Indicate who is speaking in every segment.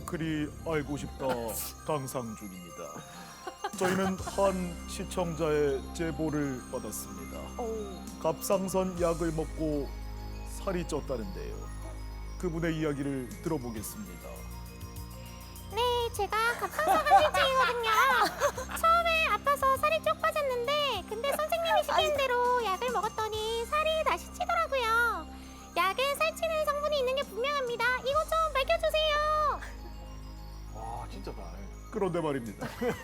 Speaker 1: 그리 알고 싶다 강상준입니다. 저희는 한 시청자의 제보를 받았습니다. 갑상선 약을 먹고 살이 쪘다는데요. 그분의 이야기를 들어보겠습니다.
Speaker 2: 네, 제가 갑상선 한질증이거든요. 처음에 아파서 살이 쭉 빠졌는데 근데 선생님이 시키는 대로 약을 먹었더니 살이 다시 찌더라고요. 약에 살찌는 성분이 있는 게 분명합니다. 이것 좀 밝혀주세요.
Speaker 3: 와 진짜다.
Speaker 1: 그런데 말입니다.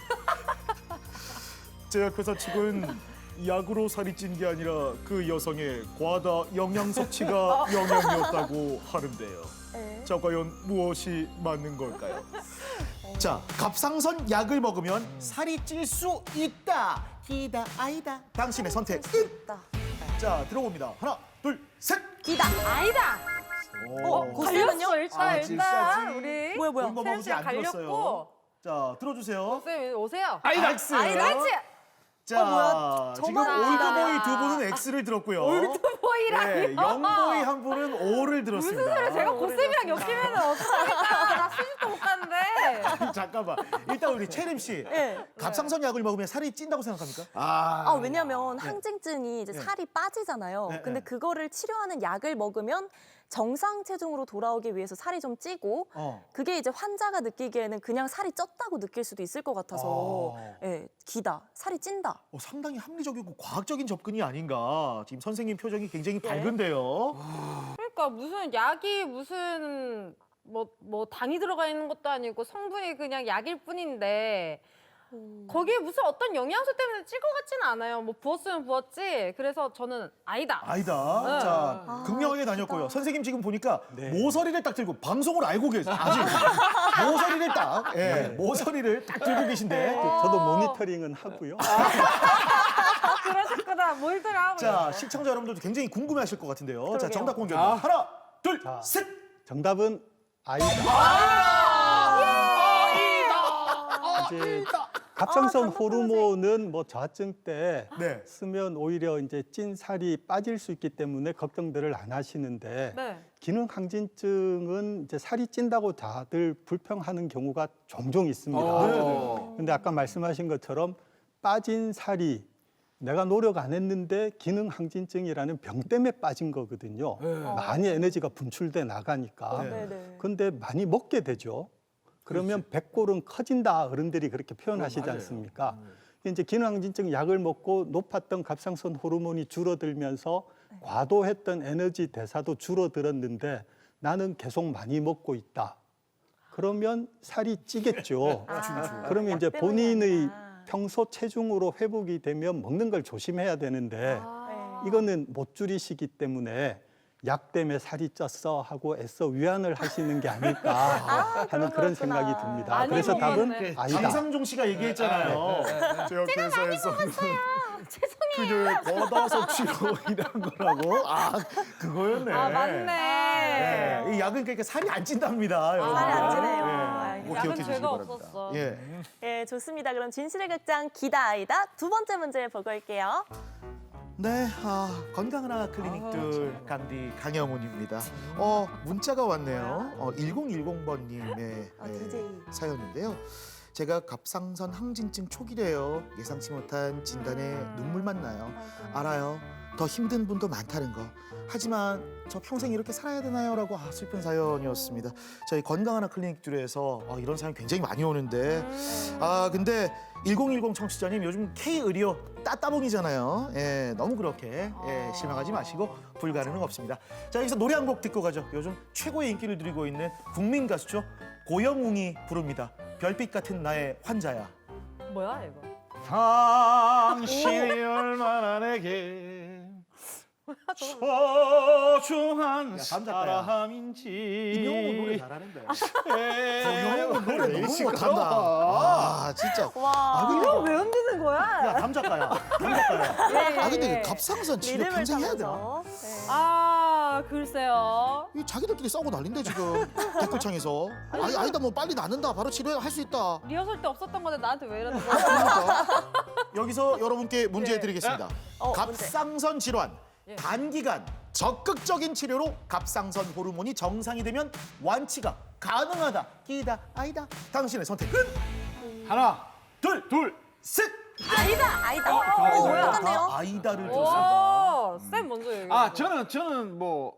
Speaker 1: 제약회사 측은 약으로 살이 찐 게 아니라 그 여성의 과다 영양 섭취가 영향이었다고 하는데요. 자, 과연 무엇이 맞는 걸까요?
Speaker 4: 자, 갑상선 약을 먹으면 살이 찔 수 있다. 기다 아이다. 당신의 선택은? 자, 들어봅니다. 하나, 둘, 셋.
Speaker 5: 기다. 아니다.
Speaker 6: 갈렸어 일단
Speaker 4: 질사지.
Speaker 6: 우리
Speaker 5: 뭐야?
Speaker 4: 본거
Speaker 6: 세연
Speaker 4: 먹으지
Speaker 6: 씨가
Speaker 4: 안 들었어요.
Speaker 6: 갈렸고
Speaker 4: 자, 들어주세요.
Speaker 6: 쌤 오세요.
Speaker 4: 아이다. X.
Speaker 6: 나이스.
Speaker 4: 자,
Speaker 5: 뭐야?
Speaker 4: 지금
Speaker 5: 저만
Speaker 4: 올드보이 두 분은 X를 들었고요.
Speaker 6: 보이라니.
Speaker 4: 네, 영보이 한 분은 O를 들었습니다.
Speaker 6: 무슨 소리야? 제가 고쌤이랑 엮이면 어떡합니까? 나 시집도 못 갔는데.
Speaker 4: 잠깐만. 일단 우리 채림 씨.
Speaker 5: 네.
Speaker 4: 갑상선 약을 먹으면 살이 찐다고 생각합니까?
Speaker 5: 왜냐면 항진증이 이제 살이 빠지잖아요.
Speaker 4: 네,
Speaker 5: 근데
Speaker 4: 네.
Speaker 5: 그거를 치료하는 약을 먹으면 정상 체중으로 돌아오기 위해서 살이 좀 찌고 그게 이제 환자가 느끼기에는 그냥 살이 쪘다고 느낄 수도 있을 것 같아서 예, 기다, 살이 찐다.
Speaker 4: 상당히 합리적이고 과학적인 접근이 아닌가. 지금 선생님 표정이 굉장히 밝은데요.
Speaker 6: 그러니까 무슨 약이 무슨 뭐 당이 들어가 있는 것도 아니고 성분이 그냥 약일 뿐인데 거기에 무슨 어떤 영양소 때문에 찔 것 같지는 않아요. 뭐 부었으면 부었지. 그래서 저는 아니다.
Speaker 4: 아니다.
Speaker 6: 네.
Speaker 4: 자, 극명하게 다녔고요. 선생님 지금 보니까 모서리를 딱 들고 방송을 알고 계세요. 아직 모서리를 딱, 모서리를 딱 들고 계신데.
Speaker 7: 저도 모니터링은 하고요.
Speaker 6: 그러셨구나. 뭘들 하고.
Speaker 4: 자, 시청자 여러분들도 굉장히 궁금해하실 것 같은데요. 자,
Speaker 5: 그러게요.
Speaker 4: 정답 공개. 하나, 둘, 셋.
Speaker 7: 정답은 아이다. 이제 갑상선 호르몬은 뭐 저하증 때
Speaker 4: 네.
Speaker 7: 쓰면 오히려 이제 찐 살이 빠질 수 있기 때문에 걱정들을 안 하시는데
Speaker 6: 네.
Speaker 7: 기능 항진증은 이제 살이 찐다고 다들 불평하는 경우가 종종 있습니다. 근데 아까 말씀하신 것처럼 빠진 살이 내가 노력 안 했는데 기능 항진증이라는 병 때문에 빠진 거거든요. 많이 에너지가 분출돼 나가니까.
Speaker 5: 네네.
Speaker 7: 근데 많이 먹게 되죠. 그러면 백골은 커진다 어른들이 그렇게 표현하시지 않습니까? 이제 기능항진증 약을 먹고 높았던 갑상선 호르몬이 줄어들면서 과도했던 에너지 대사도 줄어들었는데 나는 계속 많이 먹고 있다. 그러면 살이 찌겠죠. 그러면 이제
Speaker 5: 약 때문이
Speaker 7: 본인의
Speaker 5: 아니라.
Speaker 7: 평소 체중으로 회복이 되면 먹는 걸 조심해야 되는데 이거는 못 줄이시기 때문에 약 때문에 살이 쪘어 하고 애써 위안을 하시는 게 아닐까 하는 그런 생각이 듭니다.
Speaker 6: 많이
Speaker 7: 그래서 답은
Speaker 6: 먹었네.
Speaker 7: 아니다.
Speaker 4: 강상종 씨가 얘기했잖아요.
Speaker 1: 제약회사에서 그녀의 과다 섭취로 인한 거라고?
Speaker 4: 그거였네.
Speaker 6: 맞네.
Speaker 4: 네, 이 약은 그러니까 살이 안 찐답니다. 여러분.
Speaker 5: 살이 안 찌네요.
Speaker 4: 꼭
Speaker 6: 약은
Speaker 4: 기억해 주시기
Speaker 6: 죄가
Speaker 4: 바랍니다.
Speaker 6: 없었어.
Speaker 4: 예.
Speaker 5: 예, 좋습니다. 그럼 진실의 극장 기다 아이다 두 번째 문제 보고 올게요.
Speaker 4: 네, 건강하나 클리닉들 강디 강영훈입니다. 문자가 왔네요. 1010번님의
Speaker 5: DJ.
Speaker 4: 사연인데요. 제가 갑상선 항진증 초기래요. 예상치 못한 진단에 눈물만 나요. 알아요. 더 힘든 분도 많다는 거. 하지만 저 평생 이렇게 살아야 되나요? 라고 슬픈 사연이었습니다. 저희 건강하나 클리닉들에서 이런 사연 굉장히 많이 오는데 근데 1010 청취자님 요즘 K의료 따따봉이잖아요. 예, 너무 그렇게 실망하지 마시고 불가능은 없습니다. 자, 여기서 노래 한 곡 듣고 가죠. 요즘 최고의 인기를 누리고 있는 국민 가수죠. 고영웅이 부릅니다. 별빛 같은 나의 환자야.
Speaker 6: 뭐야 이거?
Speaker 3: 당신이 얼마나 내게 소중한
Speaker 4: 감작가야.
Speaker 3: 사람인지
Speaker 4: 임영웅은 노래 잘하는데.
Speaker 3: 고영웅은
Speaker 4: 영웅은 노래 너무 못한다. 진짜.
Speaker 5: 와.
Speaker 6: 이거 왜 흔드는 거야?
Speaker 4: 야, 감작가야. 감작가야. 근데 그 갑상선 치료
Speaker 5: 리듬을
Speaker 4: 평생 해야 되나?
Speaker 5: 타면서. 네.
Speaker 6: 글쎄요.
Speaker 4: 이 자기들끼리 싸우고 난린데 지금 댓글창에서. 아니다 뭐 빨리 낫는다. 바로 치료할 수 있다.
Speaker 6: 리허설 때 없었던 건데 나한테 왜 이러는 거야?
Speaker 4: 그러니까. 여기서 여러분께 문제 드리겠습니다.
Speaker 5: 문제.
Speaker 4: 갑상선 질환. 단기간 적극적인 치료로 갑상선 호르몬이 정상이 되면 완치가 가능하다. 기다 아니다. 당신의 선택은
Speaker 3: 하나,
Speaker 4: 둘, 셋.
Speaker 5: 아니다.
Speaker 3: 뭐야?
Speaker 5: 똑같네요.
Speaker 4: 아이다를 줬습니다.
Speaker 6: 오, 쌤 먼저 얘기해.
Speaker 3: 저는 뭐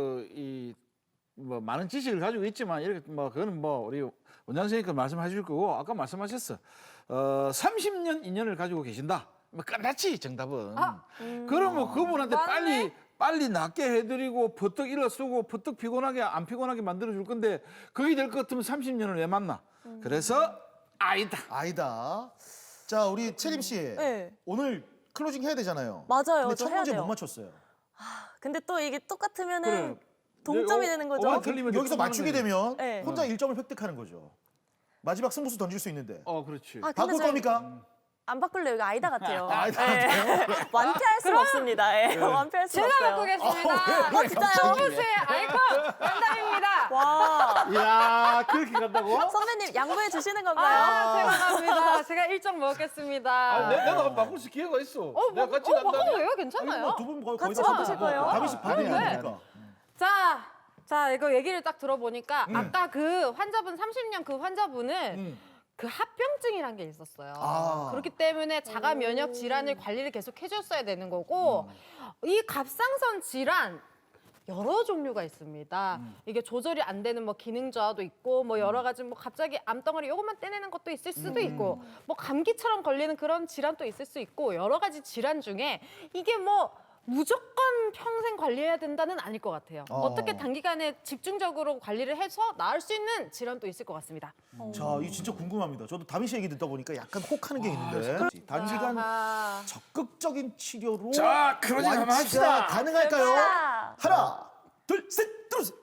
Speaker 3: 많은 지식을 가지고 있지만 이렇게 뭐 그거는 뭐 우리 원장 선생님께서 말씀해 주실 거고 아까 말씀하셨어. 30년 인연을 가지고 계신다. 뭐 끝났지 정답은. 그러면 그분한테
Speaker 6: 맞네.
Speaker 3: 빨리 낫게 해드리고 버뜩 일어서고 버뜩 피곤하게 안 피곤하게 만들어줄 건데 그게 될 것 같으면 30년을 왜 만나? 그래서 아이다.
Speaker 4: 자, 우리 채림 씨.
Speaker 5: 네.
Speaker 4: 오늘 클로징 해야 되잖아요.
Speaker 5: 맞아요.
Speaker 4: 근데
Speaker 5: 저
Speaker 4: 첫
Speaker 5: 해야
Speaker 4: 문제
Speaker 5: 돼요.
Speaker 4: 못 맞췄어요.
Speaker 5: 근데 또 이게 똑같으면은
Speaker 3: 그래.
Speaker 5: 동점이 되는 거죠.
Speaker 3: 틀리면
Speaker 4: 여기서 맞추게 되면
Speaker 5: 네.
Speaker 4: 혼자 1점을 획득하는 거죠. 마지막 승부수 던질 수 있는데.
Speaker 3: 그렇지.
Speaker 5: 아, 근데
Speaker 4: 바꿀
Speaker 5: 저희
Speaker 4: 겁니까?
Speaker 5: 안 바꿀래요. 이거 아이다 같아요.
Speaker 4: 아이다
Speaker 5: 네. 완패할 수는 없습니다. 예. 완패할 수는
Speaker 6: 제가
Speaker 5: 없어요.
Speaker 6: 바꾸겠습니다.
Speaker 5: 진짜요?
Speaker 6: 정우수의 아이콘 정답입니다.
Speaker 5: 와.
Speaker 3: 야 그렇게 간다고?
Speaker 5: 선배님 양보해 주시는 건가요?
Speaker 6: 제가 갑니다. 제가 1점 먹겠습니다.
Speaker 3: 내가 바꿀 수 기회가 있어. 내가 같이
Speaker 6: 바꿔도
Speaker 3: 간다.
Speaker 6: 돼요? 괜찮아요?
Speaker 4: 두분 거의
Speaker 5: 같이
Speaker 4: 다
Speaker 5: 바꾸실 거예요?
Speaker 4: 다미 씨 반응이
Speaker 6: 네.
Speaker 4: 아니니까.
Speaker 6: 자, 이거 얘기를 딱 들어보니까 아까 그 환자분 30년 그 환자분은 그 합병증이란 게 있었어요.
Speaker 4: 아.
Speaker 6: 그렇기 때문에 자가 면역 질환을 관리를 계속 해줬어야 되는 거고 이 갑상선 질환 여러 종류가 있습니다. 이게 조절이 안 되는 뭐 기능 저하도 있고 뭐 여러 가지 뭐 갑자기 암덩어리 요것만 떼내는 것도 있을 수도 있고 뭐 감기처럼 걸리는 그런 질환도 있을 수 있고 여러 가지 질환 중에 이게 뭐 무조건 평생 관리해야 된다는 아닐 것 같아요. 어떻게 단기간에 집중적으로 관리를 해서 나을 수 있는 질환도 있을 것 같습니다.
Speaker 4: 자, 이거 진짜 궁금합니다. 저도 다미 씨 얘기 듣다 보니까 약간 혹하는 게 있는데 단시간
Speaker 6: 아하.
Speaker 4: 적극적인 치료로
Speaker 3: 자, 클로징 한번
Speaker 4: 완치가
Speaker 3: 합시다.
Speaker 4: 가능할까요?
Speaker 5: 자.
Speaker 4: 하나, 둘, 셋, 들어주세요.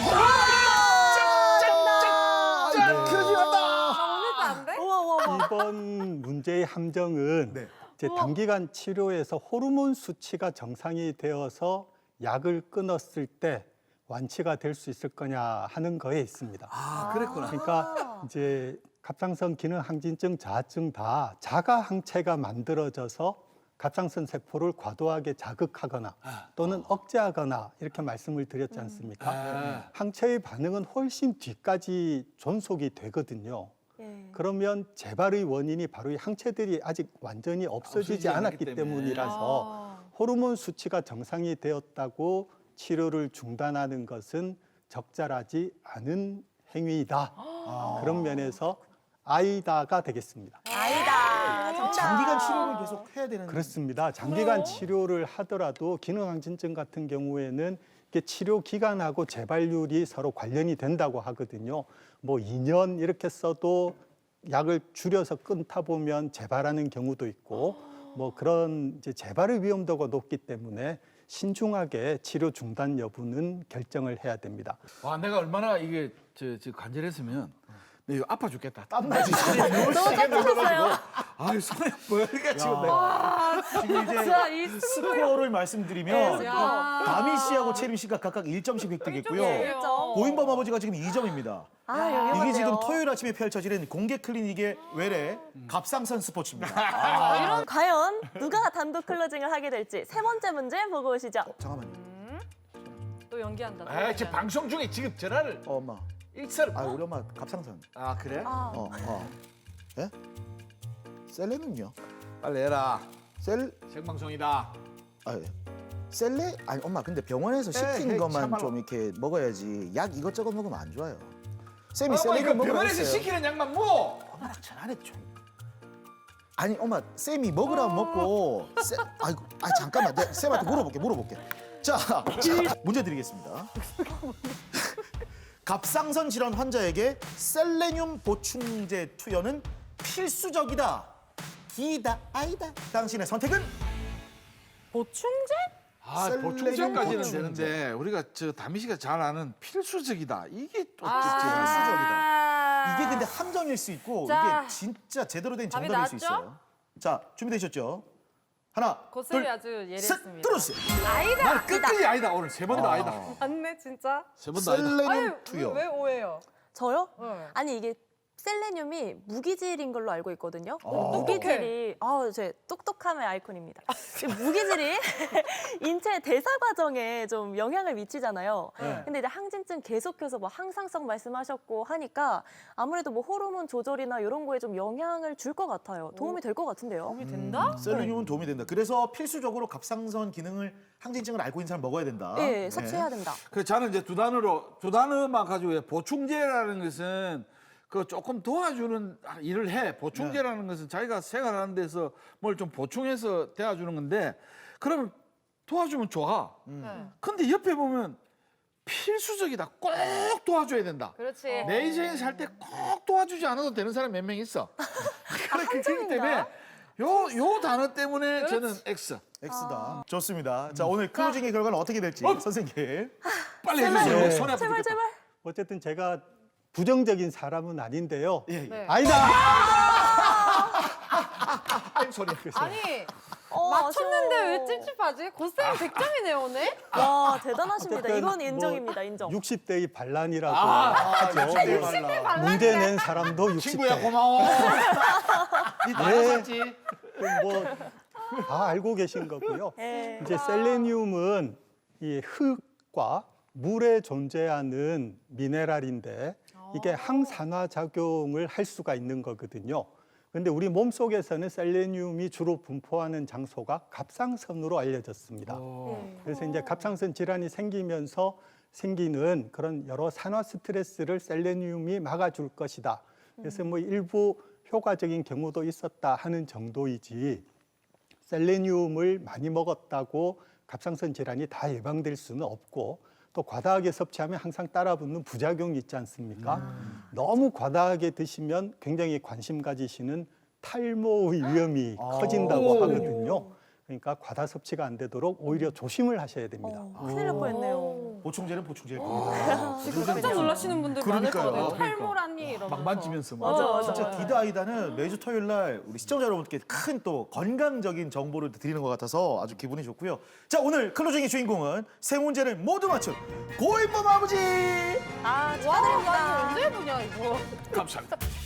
Speaker 6: 오늘도 안 돼?
Speaker 5: 우와.
Speaker 7: 이번 문제의 함정은
Speaker 4: 네.
Speaker 7: 이제 단기간 치료에서 호르몬 수치가 정상이 되어서 약을 끊었을 때 완치가 될 수 있을 거냐 하는 거에 있습니다.
Speaker 3: 그랬구나.
Speaker 7: 그러니까 이제 갑상선 기능 항진증, 자아증 다 자가 항체가 만들어져서 갑상선 세포를 과도하게 자극하거나 또는 억제하거나 이렇게 말씀을 드렸지 않습니까? 항체의 반응은 훨씬 뒤까지 존속이 되거든요.
Speaker 5: 예.
Speaker 7: 그러면 재발의 원인이 바로 이 항체들이 아직 완전히 없어지지
Speaker 3: 없어지지
Speaker 7: 않았기
Speaker 3: 않았기 때문에.
Speaker 7: 때문이라서 호르몬 수치가 정상이 되었다고 치료를 중단하는 것은 적절하지 않은 행위이다. 그런 면에서 아이다가 되겠습니다.
Speaker 5: 아이다. 정답.
Speaker 4: 장기간 치료를 계속 해야 되는.
Speaker 7: 그렇습니다. 장기간 치료를 하더라도 기능항진증 같은 경우에는 이게 치료 기간하고 재발률이 서로 관련이 된다고 하거든요. 뭐 2년 이렇게 써도 약을 줄여서 끊다 보면 재발하는 경우도 있고 뭐 그런 이제 재발의 위험도가 높기 때문에 신중하게 치료 중단 여부는 결정을 해야 됩니다.
Speaker 3: 와 내가 얼마나 이게 저 간절했으면 내가 아파 죽겠다.
Speaker 4: 땀나지.
Speaker 5: 너무 깜짝이었어요.
Speaker 3: 아유 손에 뭐가 지금 내가.
Speaker 4: 지금 이제
Speaker 6: 진짜 이
Speaker 4: 스코어를 말씀드리면
Speaker 6: 야.
Speaker 4: 다미 씨하고 채림 씨가 각각 1점씩 획득했고요.
Speaker 5: 일점.
Speaker 4: 고인범 아버지가 지금 2점입니다.
Speaker 5: 아,
Speaker 4: 이게
Speaker 5: 여기
Speaker 4: 지금 토요일 아침에 펼쳐지는 공개 클리닉의 외래 갑상선 스포츠입니다.
Speaker 5: 과연 누가 단독 클로징을 하게 될지 세 번째 문제 보고 오시죠.
Speaker 4: 잠깐만요.
Speaker 6: 또 연기한다. 또
Speaker 3: 아
Speaker 6: 연기한다.
Speaker 3: 지금 방송 중에 지금 전화를
Speaker 4: 엄마.
Speaker 3: 일설.
Speaker 4: 우리 엄마 갑상선.
Speaker 3: 그래?
Speaker 4: 예? 셀레는요?
Speaker 3: 빨리 해라.
Speaker 4: 셀
Speaker 3: 생방송이다.
Speaker 4: 예. 셀레? 아니 엄마 근데 병원에서 시킨
Speaker 3: 해,
Speaker 4: 것만
Speaker 3: 참아라.
Speaker 4: 좀 이렇게 먹어야지 약 이것저것 먹으면 안 좋아요. 쌤이
Speaker 3: 이거
Speaker 4: 셀레를 먹으라
Speaker 3: 병원에서
Speaker 4: 했어요.
Speaker 3: 시키는 약만 뭐?
Speaker 4: 엄마 전화래 좀. 아니 엄마 쌤이 먹으라 먹고 아이고 잠깐만 내가 쌤한테 물어볼게. 자 문제 드리겠습니다. 갑상선 질환 환자에게 셀레늄 보충제 투여는 필수적이다. 기다 아이다. 당신의 선택은
Speaker 6: 보충제?
Speaker 4: 셀레늄
Speaker 3: 보충제까지는
Speaker 4: 보충제.
Speaker 3: 되는데 우리가 저 다미 씨가 잘 아는 필수적이다. 이게 또
Speaker 4: 필수적이다. 이게 근데 함정일 수 있고
Speaker 6: 자,
Speaker 4: 이게 진짜 제대로 된
Speaker 6: 답이
Speaker 4: 정답일 수
Speaker 6: 나왔죠?
Speaker 4: 있어요. 자 준비되셨죠? 하나,
Speaker 6: 고슬이
Speaker 4: 둘,
Speaker 6: 아주
Speaker 4: 셋,
Speaker 6: 예리했습니다.
Speaker 4: 들어주세요.
Speaker 6: 아이다.
Speaker 3: 난 끝까지 아니다. 오늘 세 번도 아니다.
Speaker 6: 맞네 진짜.
Speaker 3: 세 번도 아니다.
Speaker 4: 셀레늄 투여.
Speaker 6: 왜 오해요?
Speaker 5: 저요?
Speaker 6: 네.
Speaker 5: 아니 이게 셀레늄이 무기질인 걸로 알고 있거든요.
Speaker 3: 똑똑해.
Speaker 5: 무기질이 제 똑똑함의 아이콘입니다. 무기질이 인체 대사 과정에 좀 영향을 미치잖아요. 근데 이제 항진증 계속해서 뭐 항상성 말씀하셨고 하니까 아무래도 뭐 호르몬 조절이나 이런 거에 좀 영향을 줄 것 같아요. 도움이 될 것 같은데요.
Speaker 6: 도움이 된다?
Speaker 4: 셀레늄은 도움이 된다. 그래서 필수적으로 갑상선 기능을 항진증을 앓고 있는 사람 먹어야 된다.
Speaker 5: 네, 섭취해야 된다.
Speaker 3: 그래서 저는 이제 두 단어만 가지고 해요. 보충제라는 것은 그 조금 도와주는 일을 해. 보충제라는 것은 자기가 생활하는 데서 뭘 좀 보충해서 대해주는 건데 그러면 도와주면 좋아. 근데 옆에 보면 필수적이다. 꼭 도와줘야 된다.
Speaker 6: 그렇지.
Speaker 3: 내 인생에 살 때 꼭 도와주지 않아도 되는 사람이 몇 명 있어. 그렇기 때문에 요 단어 때문에 저는 X.
Speaker 4: X다. 좋습니다. 자, 오늘 클로징의 결과는 어떻게 될지 선생님.
Speaker 3: 빨리 해주세요.
Speaker 7: 네.
Speaker 3: 손에
Speaker 5: 제발
Speaker 3: 아프겠다.
Speaker 5: 제발.
Speaker 7: 어쨌든 제가 부정적인 사람은 아닌데요.
Speaker 4: 예, 예.
Speaker 6: 네.
Speaker 7: 아니다.
Speaker 3: 소리.
Speaker 6: 아니
Speaker 5: 아쉬워.
Speaker 6: 맞췄는데 왜 찝찝하지? 고쌤 100점이네요 오늘.
Speaker 5: 와 대단하십니다.
Speaker 7: 어쨌든
Speaker 5: 이건
Speaker 7: 뭐
Speaker 5: 인정입니다. 인정.
Speaker 7: 60대의 반란이라고
Speaker 3: 아,
Speaker 7: 하죠.
Speaker 4: 발라.
Speaker 7: 문제 낸 사람도 60대.
Speaker 3: 친구야 고마워. 니 나갔지.
Speaker 7: 뭐다 알고 계신 거고요.
Speaker 5: 네.
Speaker 7: 이제 셀레늄은 이 흙과 물에 존재하는 미네랄인데 이게 항산화 작용을 할 수가 있는 거거든요. 그런데 우리 몸 속에서는 셀레늄이 주로 분포하는 장소가 갑상선으로 알려졌습니다. 그래서 이제 갑상선 질환이 생기면서 생기는 그런 여러 산화 스트레스를 셀레늄이 막아줄 것이다. 그래서 뭐 일부 효과적인 경우도 있었다 하는 정도이지 셀레늄을 많이 먹었다고 갑상선 질환이 다 예방될 수는 없고 또 과다하게 섭취하면 항상 따라붙는 부작용이 있지 않습니까? 너무 과다하게 드시면 굉장히 관심 가지시는 탈모의 위험이 커진다고 하거든요. 그러니까 과다 섭취가 안 되도록 오히려 조심을 하셔야 됩니다.
Speaker 5: 큰일 날 뻔했네요.
Speaker 4: 보충제는 보충제일 겁니다.
Speaker 6: 깜짝 놀라시는 분들 많을 것
Speaker 4: 그러니까요.
Speaker 6: 같아요. 탈모라니 이러면서.
Speaker 3: 막 만지면서
Speaker 5: 맞아.
Speaker 4: 진짜 디다이다는 매주 토요일 날 우리 시청자 여러분께 큰 또 건강적인 정보를 드리는 것 같아서 아주 기분이 좋고요. 자, 오늘 클로징의 주인공은 세 문제를 모두 맞춘 고인범 아버지.
Speaker 5: 아
Speaker 6: 와,
Speaker 5: 축하드립니다.
Speaker 6: 나 이거 언제 해보냐 이거.
Speaker 3: 감사합니다.